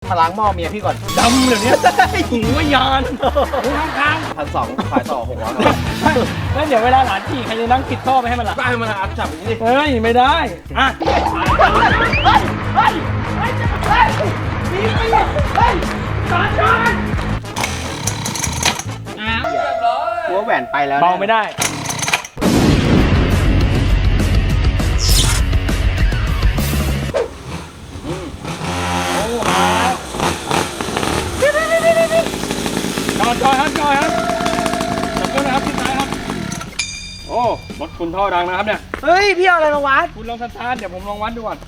มาล้างหม้อเมียพี่ก่อนดำเลยเนี่ยหูวิญญาณหูข้าง 1,200ขายต่อ600 ๆแล้วเดี๋ยวเวลาหลานขี่ใครจะนั่งปิดท่อไปให้มันล่ะได้มาอัดจับอย่างนี้ดิเฮ้ยไม่ได้อ่ะหัวแหวนไปแล้วเบาไม่ได้จอยครับขอบคุณนะครับพี่ชายครับโอ้รถคุณท่อดังนะครับเนี่ยเฮ้ยพี่เอาอะไรมาวัดคุณลองสตาร์ทเดี๋ยวผมลองวัดดูก่อน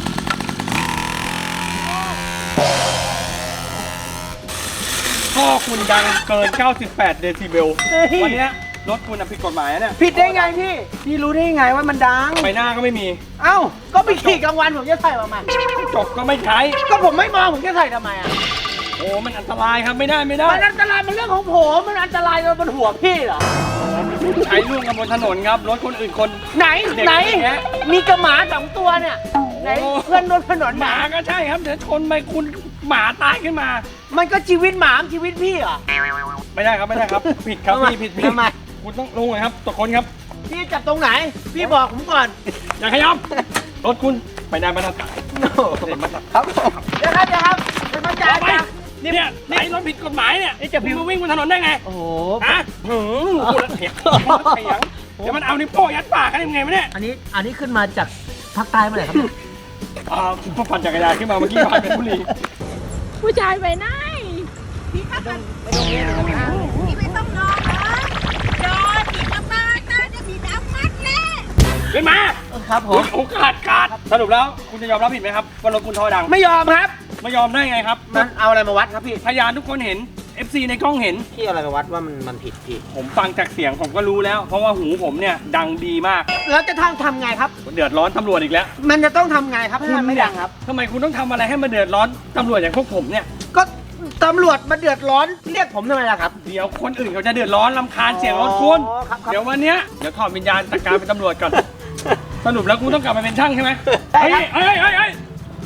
ท่อคุณดังเกิน 98 เดซิเบลวันนี้รถคุณผิดกฎหมายนะเนี่ยผิดได้ไงพี่รู้ได้ไงว่ามันดังไฟหน้าก็ไม่มีเอ้าก็ไปขี่กลางวันผมจะใส่มาใหม่จบก็ไม่ใช้ก็ผมไม่มองผมจะใส่ทำไมอ่ะโอ้มันอันตรายครับไม่ได้มันอันตรายมันเรื่องของผมมันอันตรายบนหัวพี่เหรอใช้ร่วมกันบนถนนครับรถคนอื่นคนไหนเด็กไหนอย่างเงี้ยมีกระหมา2 ตัวเนี่ยไหนโอ้เพื่อนรถถนนหมาก็ใช่ครับเดี๋ยวชนไปคุณหมาตายขึ้นมามันก็ชีวิตหมาชีวิตพี่เหรอไม่ได้ครับผิดครับทำไมพี่ผิดทำไมคุณต้องลงเลยครับตกคนครับพี่จับตรงไหน พี่บอกผมก่อนอย่าขยับรถคุณไม่ได้มาตรฐานครับผมเดี๋ยวครับเป็นมาจ่ายไปจ้ะเนี่ยไหนรถผิดกฎหมายเนี่ยนี่จะพิพี่มพ์มาวิ่งบนถนนได้ไงโอ้โหฮะพูดแล้วเถียงเดี๋ยวมันเอานิ้วโป้งยัดปากกันยังไงวะเนี่ยอันนี้ขึ้นมาจากภาคใต้เมื่อไหร่ครับเนี่ยพอปั่นจักรยานขึ้นมาเมื่อกี้ผ่านเป็นบุรีผู้ชายไปไหนพี่ขับกันพี่ไม่ต้องนอนนะจอดพี่กลับบ้านนะจะพี่ดำมัดแน่ขึ้นมาครับผมโอกาสขาดสรุปแล้วคุณจะยอมรับผิดไหมครับว่ารถคุณท่อดังไม่ยอมครับไม่ยอมได้ไงครับมันเอาอะไรมาวัดครับพี่พยานทุกคนเห็น FC ในกล้องเห็นพี่เอาอะไรมาวัดว่ามันผิดพี่ผมฟังจากเสียงผมก็รู้แล้ว เพราะว่าหูผมเนี่ยดังดีมากแล้วจะทำไงครับเดือดร้อนตำรวจอีกแล้วมันจะต้องทำไงครับให้มันไม่ดังครับทำไมคุณต้องทำอะไรให้มันเดือดร้อนตำรวจอย่างพวกผมเนี่ยก็ตำรวจมาเดือดร้อนเรียกผมทำไมล่ะครับเดี๋ยวคนอื่นเขาจะเดือดร้อนรำคาญเสียงรถคุณอ๋อครับเดี๋ยววันเนี้ยเดี๋ยวถอดวิญญาณจากการเป็นตำรวจก่อน สรุปแล้วกูต้องกลับมาเป็นช่างใช่ไหมได้เฮ้ยครับเฮ้ยเฮ้ยเฮ้ย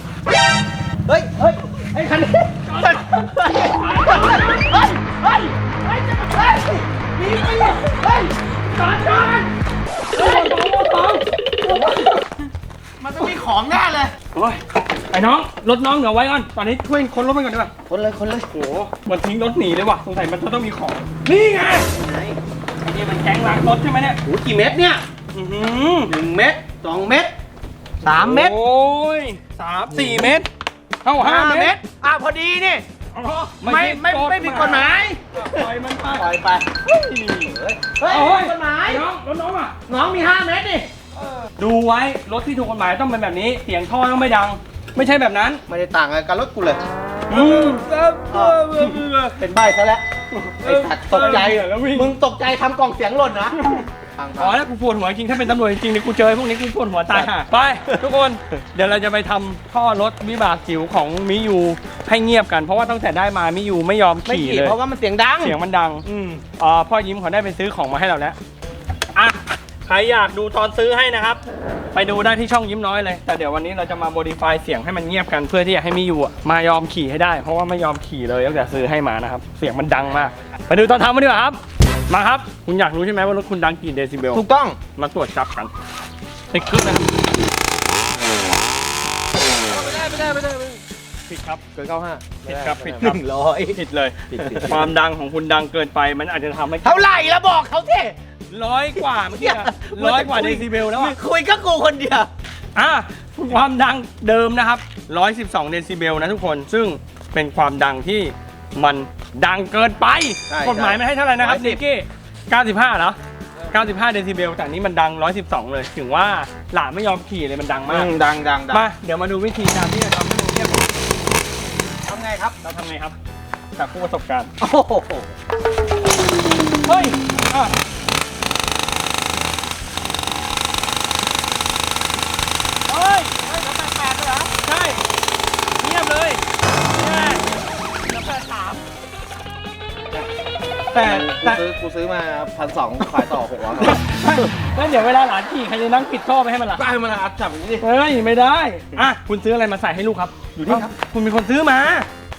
ไอ้คันนี้มันต้องมีของแน่เลยโอ้ยไอ้น้องรถน้องเดี๋ยวไว้ก่อนตอนนี้ช่วยคนรถมันก่อนดีกว่าคนเลยโอ้โหมันทิ้งรถหนีเลยว่ะสงสัยมันจะต้องมีของนี่ไงไอ้นี่มันแก๊งล้างรถใช่ไหมเนี่ยโอ้กี่เม็ดเนี่ยอื้อหือ 1 เม็ด2 เม็ด3 เม็ดโอ้ย3-4 เม็ดเท่า5 เม็ดพอดีนี่อ๋อไม่ผิดกฎหมายปล่อยมันไปปล่อยไปเฮ้ยเฮ้ยโอ้ผิยดกฎหมายไอ้น้องรถน้องอ่ะน้องมี5 เม็ดนี่ดูไว้รถที่ถูกกฎหมายต้องเป็นแบบนี้เสียงท่อต้องไม่ดัง ไม่ใช่แบบนั้นไม่ได้ต่างอะไรกับรถกูเลยอืมเป็นใบซะแล้วไอ้สัตว์ตกใจแล้ววิ่งมึงตกใจทำกล่องเสียงหล่นนะฟังอ๋อแล้วกูปวดหัวจริงถ้าเป็นตำรวจจริงๆเนี่ยกูเจอพวกนี้กูปวดหัวตายห่าไป ทุกคนเดี๋ยวเราจะไปทำท่อรถวิบากจิ๋วของมิยูให้เงียบกันเพราะว่าตั้งแต่ได้มามิยูไม่ยอมไม่ขี่ขี่เลยเพราะว่ามันเสียงดังเสียงมันดังพ่อยิ้มเขาได้ไปซื้อของมาให้เราแล้วอ่ะใครอยากดูตอนซื้อให้นะครับ ไปดูได้ที่ช่องยิ้มน้อยเลยแต่เดี๋ยววันนี้เราจะมาโมดิฟายเสียงให้มันเงียบกันเพื่อที่จะให้มิยูอะมายอมขี่ให้ได้ เพราะว่าไม่ยอมขี่เลยตั้งแต่ซื้อให้มานะครับเสียงมันดังมากไปดูตอนทำมาดีกว่าครับมาครับคุณอยากรู้ใช่ไหมว่ารถคุณดังกี่เดซิเบลถูกต้องมาตรวจจับกันติดคลิปนะครับผิดครับเกิน95 ผิดครับผิดครับ 100 ผิดเลยความดังของคุณดังเกินไปมันอาจจะทำให้เท่าไหร่แล้วบอกเขาสิ 100 กว่าเมื่อกี้อะ100 กว่าเดซิเบลแล้วอ่ะคุยก็กูคนเดียวความดังเดิมนะครับ112 เดซิเบลนะทุกคนซึ่งเป็นความดังที่มันดังเกินไปใช่กฎหมายมันให้เท่าไหร่นะครับ 110 นิกกี้95เหรอ95 เดซิเบลแต่อันนี้มันดัง112เลยถึงว่าหลานไม่ยอมขี่เลยมันดังมากดังมาเดี๋ยวมาดูวิธีการที่จะทำให้มันเงียบทำไงครับเราทำไงครับจากผู้ประสบการณ์โอ้โหเฮ้ยอ่ะเฮ้ยทำแปดเหรอใช่เงียบเลยแน่แล้วแต่กูซื้อมา1,200ขายต่อ600 แล้วเดี๋ยวเวลาหลานขี่ใครจะนั่งปิดท่อไปให้มันล่ะได้มาอัดจับอย่างนี้ดิเฮ้ยไม่ได้อ่ะคุณซื้ออะไรมาใส่ให้ลูกครับอยู่นี่ครับคุณเป็นคนซื้อมา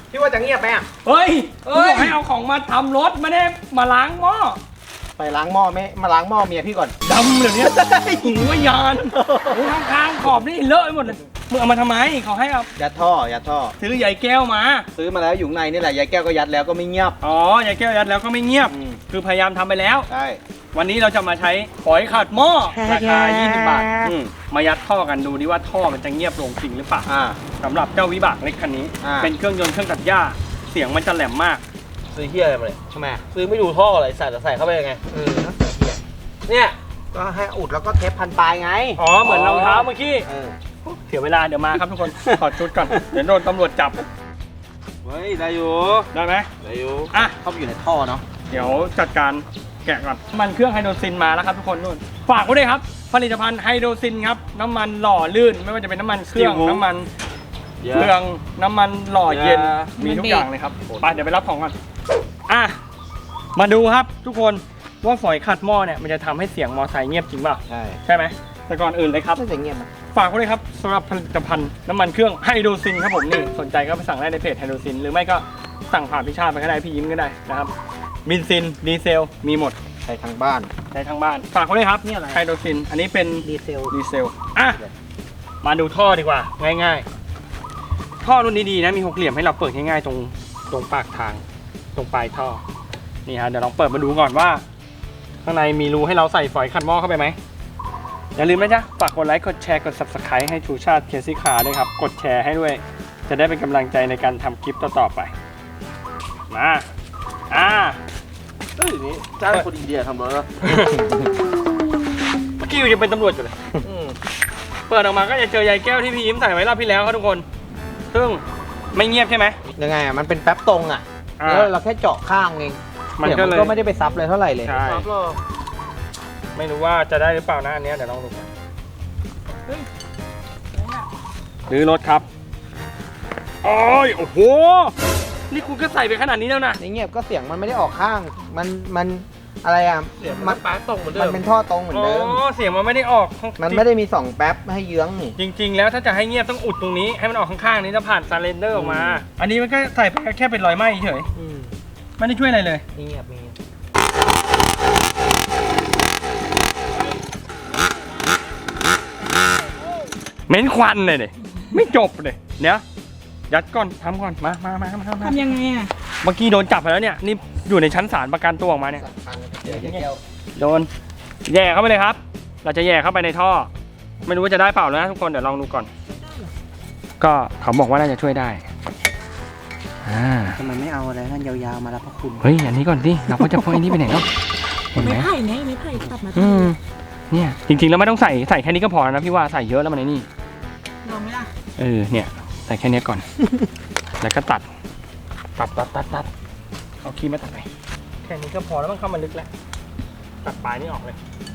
พี่ว่าจะเงียบไหมอ่ะเฮ้ยกูบอกให้เอาของมาทำรถไม่ได้มาล้างหม้อไปล้างหม้อไหมมาล้างหม้อเมียพี่ก่อนดำเดี๋ยวนี้หูว่ายานหูข้างๆขอบนี่เลอะไปหมดเลยมึงเอามาทำไมเขาให้เอายัดท่อยัดท่อซื้อใหญ่แก้วมาซื้อมาแล้วอยู่ข้างในนี่แหละยายแก้วก็ยัดแล้วก็ไม่เงียบอ๋อใหญ่แก้วยัดแล้วก็ไม่เงียบอืมคือพยายามทำไปแล้วใช่วันนี้เราจะมาใช้ฝอยขัดหม้อราคา 20 บาทมายัดท่อกันดูดิว่าท่อมันจะเงียบลงจริงหรือเปล่า สำหรับเจ้าวิบากเล็กคันนี้ เป็นเครื่องยนต์เครื่องตัดหญ้าเสียงมันจะแหลมมากซื้อเฮียอะไรมาเนี่ยทำไมซื้อไม่ดูท่ออะไรใส่เข้าไปยังไง เนี่ยก็ให้อุดแล้วก็เทปพันปลายไงอ๋อเหมือนรองเท้าเมื่อกี้เออเสียเวลาเดี๋ยวมาครับทุกคน ถอดชุดก่อนเดี๋ยวโดนตำรวจจับเฮ้ย ได้อยู่ได้ไหมได้อยู่อ่ะเข้าไปอยู่ในท่อเนาะเดี๋ยวจัดการแกะก่อนน้ำมันเครื่องไฮโดรซินมาแล้วครับทุกคนนู่นฝากไว้ด้วยครับผลิตภัณฑ์ไฮโดรซินครับน้ำมันหล่อลื่นไม่ว่าจะเป็นน้ำมันเครื่องน้ำมันเครื่องน้ำมันหล่อเย็นมีทุกอย่างเลยครับไปเดี๋ยวไปรับของก่อนอ่ะมาดูครับทุกคนว่าฝอยขัดหม้อเนี่ยมันจะทำให้เสียงมอไซค์เงียบจริงเปล่าใช่ใช่ไหมแต่ก่อนอื่นเลยครับน่าจะเงียบนะฝากไว้เลยครับสำหรับผลิตภัณฑ์น้ำมันเครื่องไฮโดรซินครับผมนี่สนใจก็ไปสั่งได้ในเพจไฮโดรซินหรือไม่ก็สั่งผ่านพี่ชาติไปก็ได้พี่ยิ้มก็ได้นะครับบินซินดีเซลมีหมดใช้ทางบ้านใช้ทั้งบ้านฝากไว้เลยครับนี่อะไรไฮโดรซินอันนี้เป็นดีเซลดีเซลอ่ะมาดูท่อดีกว่าง่ายๆท่อรุ่นดีๆนะมีหกเหลี่ยมให้เราเปิดง่ายๆตรงปากทางตรงปลายท่อนี่ฮะเดี๋ยวลองเปิดมาดูก่อนว่าข้างในมีรูให้เราใส่ฝอยขัดหม้อเข้าไปไหมอย่าลืมนะจ๊ะฝากกดไลค์กดแชร์กด Subscribe ให้ชูชาติเคซี่คาร์ด้วยครับกดแชร์ให้ด้วยจะได้เป็นกำลังใจในการทำคลิปต่อๆไปมาเฮ้ยนี่จ้างคนอินเดียทำรถแล้วเมื่อกี้ยังเป็นตำรวจอยู่เลยเปิดออกมาก็จะเจอยายแก้วที่พี่ยิ้มใส่ไว้รอบที่แล้วครับทุกคนซึ่งไม่เงียบใช่ไหมยังไงอ่ะมันเป็นแป๊บตรงอ่ะแล้วเราแค่เจาะข้างเองมันก็เลยก็ไม่ได้ไปซับเลยเท่าไหร่เลยใช่ไม่รู้ว่าจะได้หรือเปล่านะอันเนี้ยเดี๋ยวลองดูกันหรือรถครับโอ้ยโอ้โหนี่คุณก็ใส่ไปขนาดนี้แล้วนะในเงียบก็เสียงมันไม่ได้ออกข้าง มันอะไรอ่ะเสียงมันปลายตรงเหมือนเดิมันมเป็นท่อตรงเหมือนเดิมอ๋อเสียงมันไม่ได้ออกมันไม่ได้มี2แป๊บให้เยื้องนี่จริง ๆ แล้วถ้าจะให้เงียบต้องอุดตรงนี้ให้มันออกข้างๆนี้จะผ่านซาเลนเดอร์ออกมา อันนี้มันก็ใส่ไปแค่เป็นรอยไหม้เฉยไม่ได้ช่วยอะไรเลยเงียบมีเหม็นควันเลยเนี่ยไม่จบเลยเดี๋ยวยัดก่อนทำก่อนมาทำยังไงอ่ะเมื่อกี้โดนจับไปแล้วเนี่ยนี่อยู่ในชั้นศาลประกันตัวออกมาเนี่ยเดี๋ยวแก้วโดนแย่เข้าไปเลยครับ เราจะแย่เข้าไปในท่อ ไม่รู้ว่าจะได้เปล่านะทุกคนเดี๋ยวลองดูก่อน ก็เขาบอกว่าน่าจะช่วยได้ทำไมไม่เอาอะไรนั่นยาวๆมาแล้วพระคุณเฮ้ยอันนี้ก่อนสิเราก็จะพกอันนี้ไปไหนเนาะเห็นไหมไม่ไผ่ไงไม่ไผ่ตัดมาเนี่ยจริงๆแล้วไม่ต้องใส่แค่นี้ก็พอนะพี่ว่าใส่เยอะแล้วมันไอ้นี่ลองไหมล่ะเนี่ยใส่แค่นี้ก่อน แล้วก็ตัดเอาครีมมาตัดไปแค่นี้ก็พอแล้วมันเข้ามาลึกแล้วตัดปลายนี่ออกเลย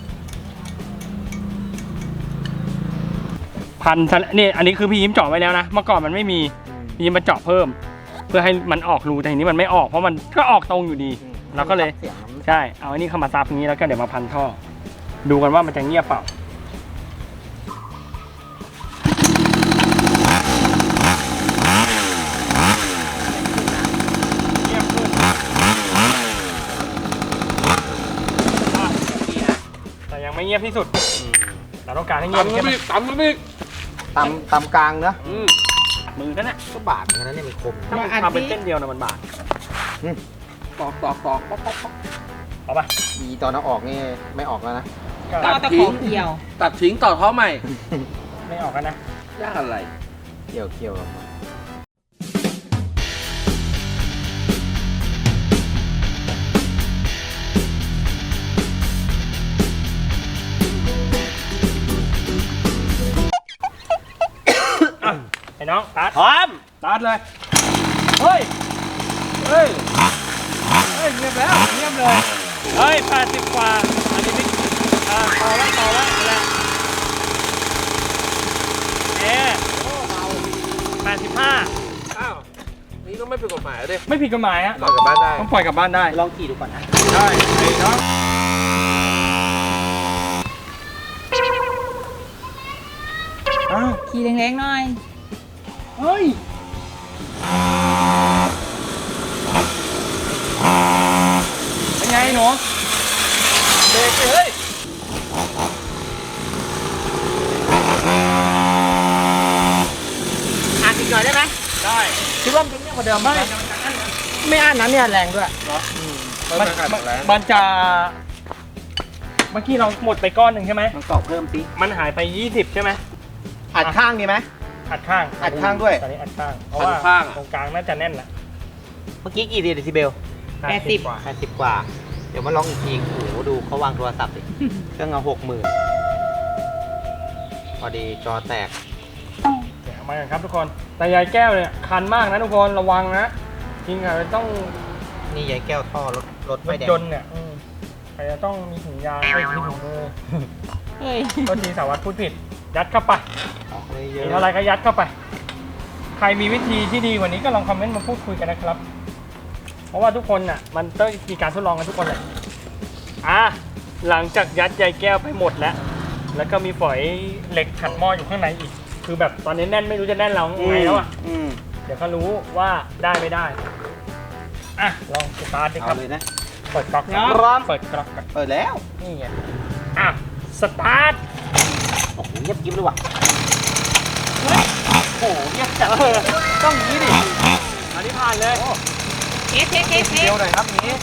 พันนี่อันนี้คือพี่ยิ้มเจาะไว้แล้วนะเมื่อก่อนมันไม่มีพี่ยิ้มมาเจาะเพิ่ม เพื่อให้มันออกรูแต่ทีนี้มันไม่ออกเพราะมันก็ออกตรงอยู่ดีเราก็เลยใช่เอาอันนี้เข้ามาซับอย่างนี้แล้วก็เดี๋ยวมาพันท่อดูกันว่ามันจะเงียบเปล่าเงียบขึ้นแต่ยังไม่เงียบที่สุดเราต้องการให้เงียบตำน้ำพริกตำกลางเนอะมือนั่นแหละก็บาดเหมือนกันนะเนี่ยมันคมถ้ามันทำเป็นเส้นเดียวนะมันบาดตอกป๊อกเอาปะดีตอนเอาออกนี่ไม่ออกแล้วนะต่อตะขอเกี่ยวตัดทิ้งต่อท่อใหม่ไม่ออกกันนะยากอะไรเกี่ยวออกมาไอ้น้องตัดพร้อมตัดเลยเฮ้ยเงียบแล้วเงียบเลยเฮ้ย80 กว่าอันนี้ไม่ต่อแล้วแหละ85 อ้าว นี่ก็ไม่เป็นกฎหมายเลยไม่ผิดกฎหมายฮะปล่อยกลับบ้านได้ต้องปล่อยกลับบ้านได้ลองขี่ดูก่อนนะได้ไอ้น้องอ้าวขี่แรงๆหน่อยเฮ้ยเบรกเลยเฮ้ยอ่านอีกหน่อยได้ไหมได้คิดว่ามันจะเงียบกว่าเดิมไหมไม่อ่านนะเนี่ยแรงด้วยมันจะเมื่อกี้เราหมดไปก้อนหนึ่งใช่ไหมมันกรอกเพิ่มสิมันหายไป 20 ใช่ไหมอัดข้างดีไหมอัดข้างอัดข้างด้วยตอนนี้อัดข้างเพราะว่าตรงกลางน่าจะแน่นแหละเมื่อกี้กี่เดซิเบล 80 กว่า 80 กว่า เดี๋ยวมาลองอีกทีโอ้โหดูเขาวางโทรศัพท์ดิเครื่องเอา60,000พอดีจอแตกเดี๋ยวมากันครับทุกคนแต่ยายแก้วเนี่ยคันมากนะทุกคนระวังนะจริงอะต้องนี่ยายแก้วท่อรถรไม่ถแดงยนต์เนี่ยใครจะต้องมีถุงยางไม่มีถุงมือเฮ้ยก็ทีสารวัตรพูดผิด ยัดเข้าไปออกเลยเยมีอะอะไรก็ยัดเข้าไป ใครมีวิธีที่ดีกว่านี้ก็ลองคอมเมนต์มาพูดคุยกันนะครับ เพราะว่าทุกคนน่ะมันต้องมีการทดลองกันทุกคนแหละหลังจากยัดยายแก้วไปหมดแล้วก็มีฝอยเหล็กขัดหม้ออยู่ข้างในอีก คือแบบตอนนี้แน่นไม่รู้จะแน่นเราไงแล้วอ่ะ เดี๋ยวก็รู้ว่าได้ไม่ได้ลองสตาร์ทดิคเอารับเลยนะเปิดก๊อกก่อนพร้อมเปิดก๊อกก่อนเปิดแล้วนี่ไงสตาร์ทโอ้โหเงียบกิ๊บเลยว่ะโอ้โหเงียบจังต้องอย่างนี้ดิอันนี้ผ่านเลยเทสเดียวหน่อยครับนี้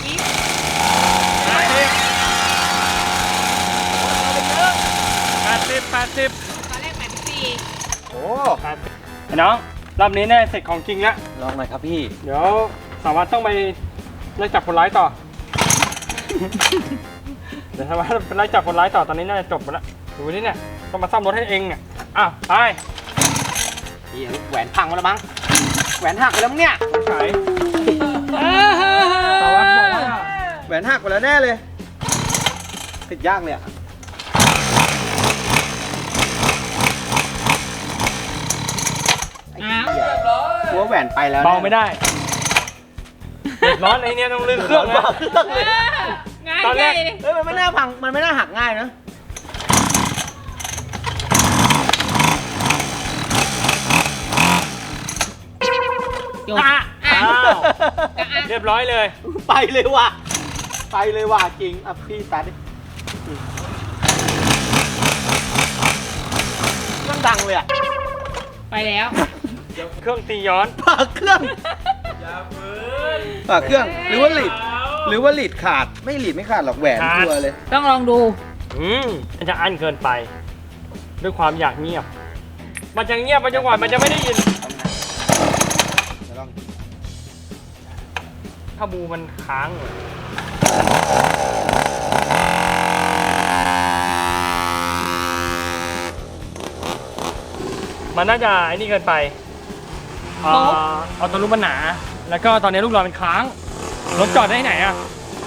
80 ตอนแรก84 โอ้ไอ้น้องรอบนี้แน่เสร็จของจริงแล้วลองหน่อยครับพี่เดี๋ยวสารวัตรต้องไปไล่จับคนร้ายต่อ เดี๋ยวสารวัตรไปไล่จับคนร้ายต่อตอนนี้น่าจะจบไปแล้วดูนี่เนี่ยต้องมาซ่อมรถให้เองเนี่ยไปพี่แหวนพังหมดแล้วมั้งแหวนหักไปแล้วมั้งเนี่ยใส่สารวัตรบอกว่าแหวนหักไปแล้วแน่เลยติดยากเลยอะกลัวแหวนไปแล้วเบาไม่ได้เดือดร้อนไอ้เนี่ยต้องลื้อเครื่องนะง่ายตอนแรกเลยเฮ้ยมันไม่น่าพัง มันไม่น่าหักง่ายนะจบอ้าวเรียบร้อยเลยไปเลยว่ะ ไปเลยว่ะจริงอ่ะพี่ตัดดิเครื่องดังเลยอ่ะไปแล้วเครื่องตีย้อนปากเครื่องปากเครื่อง หรือว่าหลีด หรือว่าหลีดขาด ไม่หลีดไม่ขาดหรอกแหวนขาดชัวร์เลยต้องลองดูมันจะอั้นเกินไป ด้วยความอยากเงียบ มันจะเงียบไปจนกว่ามันจะไม่ได้ยิน ถ้าบูมันค้างเลยมันน่าจะไอ้นี่เกินไปเอาตัวรูปมันหนา แล้วก็ตอนนี้ลูกรอยมันค้าง รถจอดได้ที่ไหนอะ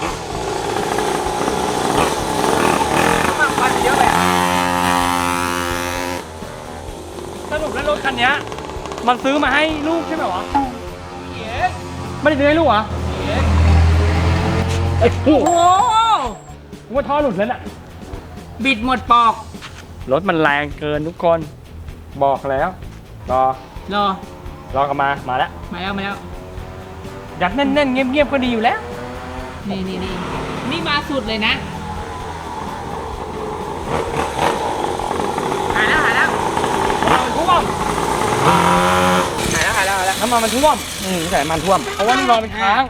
สรุปแล้วรถคันนี้มันซื้อมาให้ลูกใช่ไหมวะไม่ได้ซื้อให้ลูกเหรอไอ้โหโอ้ว่าท่อหลุดแล้วน่ะบิดหมดปอกรถมันแรงเกินทุกคน บอกแล้วรอกันมาแล้วมาแล้วยัดแน่นๆเงียบๆก็ดีอยู่แล้วนี่มาสุดเลยนะหายแล้วมันท่วมหายแล้วน้ำมันท่วมใส่มันท่วมเพราะว่าลูกรอยมันค้าง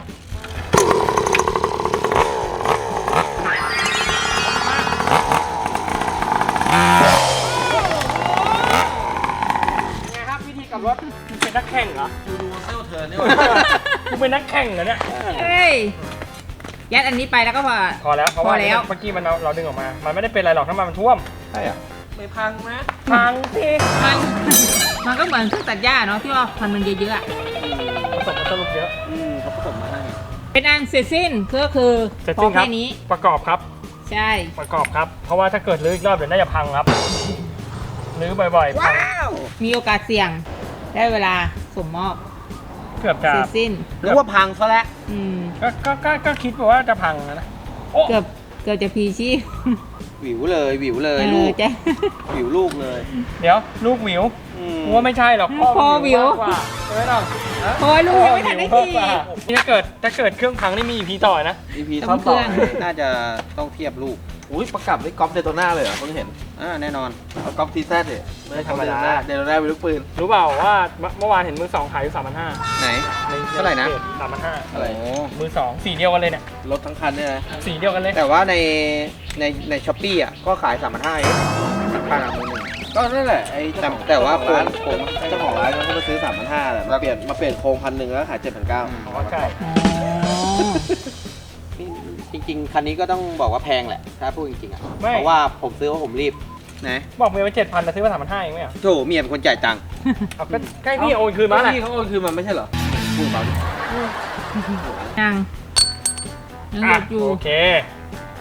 ไงครับวิธีขับรถคุณเป็นนักแข่งเหรอดูเซลเทิร์นนี่คุณเป็นนักแข่งเหรอเนี่ยเฮ้ย ยัดอันนี้ไปแล้วก็พอพอแล้วเพราะว่าพอแล้วเมื่อกี้เราดึงออกมา มันไม่ได้เป็นอะไรหรอกถ้ามันท่วมใช่อ่ะไม่พังนะพังสิมันก็เหมือนเครื่องตัดหญ้าเนาะที่ว่าพันมันเยอะๆอะผสมมันสรุปเยอะเขาผสมมาให้เป็นอันเสร็จสิ้นก็คือเสร็จพอสิ้นครับแค่นี้ประกอบครับใช่ประกอบครับ เพราะว่าถ้าเกิดรื้ออีกรอบเดี๋ยวน่าจะพังครับรื้อบ่อยๆพังมีโอกาสเสี่ยงได้เวลาส่งมอบเกือบจะเสร็จสิ้นหรือว่าพังซะแล้วอืมก็คิดว่าจะพังนะโอ้เกือบจะพีชีพหวิวเลย ลูกจ้ะหวิวลูกเลยเดี๋ยวลูกหวิวกูว่าไม่ใช่หรอกพ่อหวิวมากกว่าใช่ไหมน้องโอ้ยลูกยังไม่ทันได้พ่อขี่หวิวมากกว่านี่ถ้าเกิดเครื่องพังนี่มี EP ต่อนะ EP ต้ท็อองปต่อเครื่องน่าจะต้องเทียบลูกอุ้ยประกับได้กอล์ฟเดโตน่าเลยเหรอเพิ่งเห็นแน่นอนเอากอล์ฟทีแซดดิไม่ธรรมดาเดโตน่าเป็นลูกปืนรู้เปล่าว่าเมื่อวานเห็นมือสองขายอยู่3,500 ไหน เท่าไหร่นะ 3,500 อะไรโอ้มือสองสีเดียวกันเลยเนี่ยรถทั้งคันเนี่ยนะสีเดียวกันเลยแต่ว่าในช้อปปี้อ่ะก็ขาย3,500เองป้ามือหนึ่งก็นั่นแหละไอ้แต่ว่าร้านผมเจ้าของร้านเขามาซื้อ3,500แหละมาเปลี่ยนโครง1,000แล้วขาย7,900 อ๋อใช่จริงๆ คันนี้ก็ต้องบอกว่าแพงแหละ ถ้าพูดจริงๆอ่ะไม่เพราะว่าผมซื้อว่าผมรีบนะบอกเมียไป7,000แต่ซื้อมา3,500เองไหมอ่ะโถเมียเป็นคนจ่ายตังค์เอาก็ใกล้พี่โอนคืนมาแหละพี่เขาโอนคืนมาไม่ใช่เหรอพูดเปล่าดิยังยังหลุดอยู่โอเคไป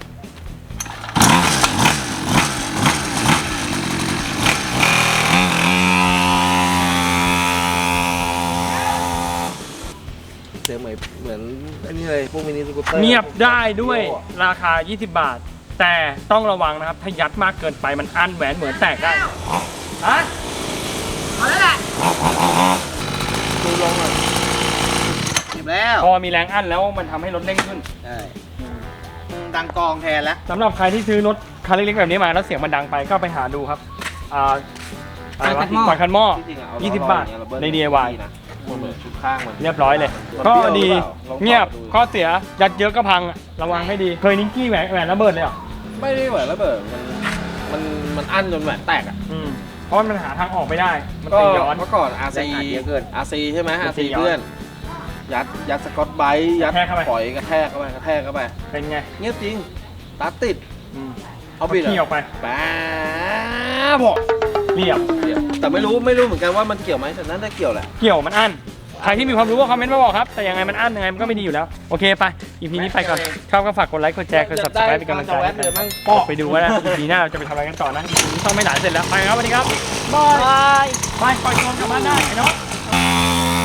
เสียงเหมือนไอ้นี่เลยพวกมินิสกูตเตอร์เงียบได้ด้วยราคา 20 บาท แต่ต้องระวังนะครับ ถ้ายัดมากเกินไปมันอั้นแหวนเหมือนแตกได้ฮะเอาแล้วแหละดูลงอ่ะเก็บแล้วพอมีแรงอั้นแล้วมันทำให้รถเร่งขึ้นใช่ดังกองแทนแล้วสำหรับใครที่ซื้อรถคันเล็กๆแบบนี้มาแล้วเสียงมันดังไปก็ไปหาดูครับอะไรวะกวาดคันหม้อจริงๆอ่ะเอ 20 บาทเรเบิ้ลใน DIY นะมันเหมือนชุดข้างมันเรียบร้อยเลยมันก็เปรี้ยวดีหรือเปล่าลองเงียบดูข้อเสียยัดเยอะก็พังอะระวังให้ดี เคยนิกกี้แหวนระเบิดเลยเหรอไม่ได้เหมือนระเบิดมันอั้นจนแหวนแตกอ่ะเพราะมันหาทางออกไม่ได้ มันก็ตีย้อนเมื่อก่อนแรงอัดเยอะเกิน RC ใช่ไหมมัน RC ตีย้อนเพื่อน ยัดสกอตไบรท์ยัดกระแทกเข้าไปปล่อยกระแทกเข้าไปเป็นไงเงียบจริงตัดติดเอาบิดขี้ออกไปบ้าบอกเรียบแต่ไม่รู้เหมือนกันว่ามันเกี่ยวไหมแต่น่าจะเกี่ยวแหละเกี่ยวมันอั้น ใครที่มีความรู้ก็คอมเมนต์มาบอกครับ แต่ยังไงมันอั้นยังไงมันก็ไม่ดีอยู่แล้ว โอเคไป EP นี้ไปก่อน ชอบก็ฝากกดไลค์ กดแชร์ กด subscribe เป็นกำลังใจให้กันไปดูว่า EP หน้าเราจะไปทำอะไรกันต่อนะ EP นี้ต้องไม่หลานเสร็จแล้ว ไปครับสวัสดีครับ บายบายปล่อยตัวกลับบ้านได้ไอ้น้อง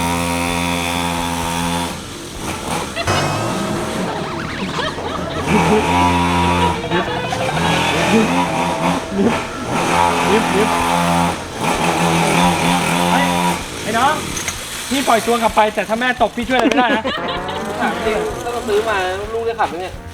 ลิฟไอ้น้อง พี่ปล่อยตัวกลับไปแต่ถ้าแม่ตกพี่ช่วยอะไรไม่ได้นะถามจริงถ้าเราซื้อมาลูกได้ขับไหมเนี่ย